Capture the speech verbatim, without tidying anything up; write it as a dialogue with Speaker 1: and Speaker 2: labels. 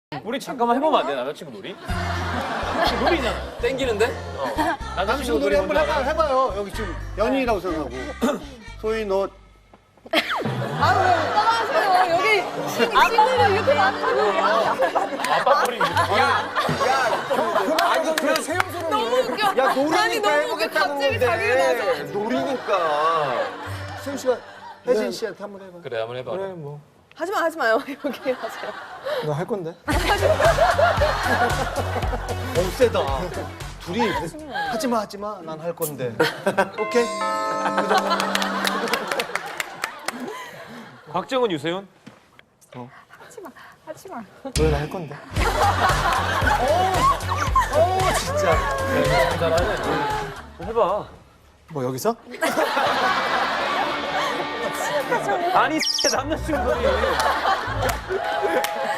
Speaker 1: 우리 잠깐만 해보면 안 돼, 남자친구 놀이? 놀이잖아.
Speaker 2: 땡기는데?
Speaker 1: 어.
Speaker 3: 남자친구 놀이 한번 해봐, 해봐요. 여기 지금 연인이라고 생각하고. 소희 너
Speaker 4: 아, 왜 오빠가 하세요? 여기 아빠가 이렇게 많다고.
Speaker 1: 아빠 꼬리.
Speaker 2: 아니 그냥 세영스러운
Speaker 4: 너무 웃겨.
Speaker 3: 야,
Speaker 4: 아니,
Speaker 3: 놀이니까
Speaker 4: 너무 웃겨.
Speaker 3: 해보겠다고
Speaker 4: 갑자기 자기를 나서.
Speaker 3: 하는데. 놀이니까. 세영 씨가 혜진 씨한테 한번 해봐.
Speaker 2: 그래 한번 해봐.
Speaker 5: 그래 뭐.
Speaker 4: 하지 마, 하지 마요. 여기 하세요.
Speaker 5: 너 할 건데?
Speaker 3: 어, 세다. 둘이 하지마, 하지마. 난 할 건데. 오케이.
Speaker 1: 곽정은, 유세윤?
Speaker 4: 하지 마, 하지 마.
Speaker 5: 너는 할 건데.
Speaker 3: 진짜.
Speaker 1: 잘하네. 해봐.
Speaker 5: 뭐 여기서?
Speaker 1: 아니, 남자친구 놀이.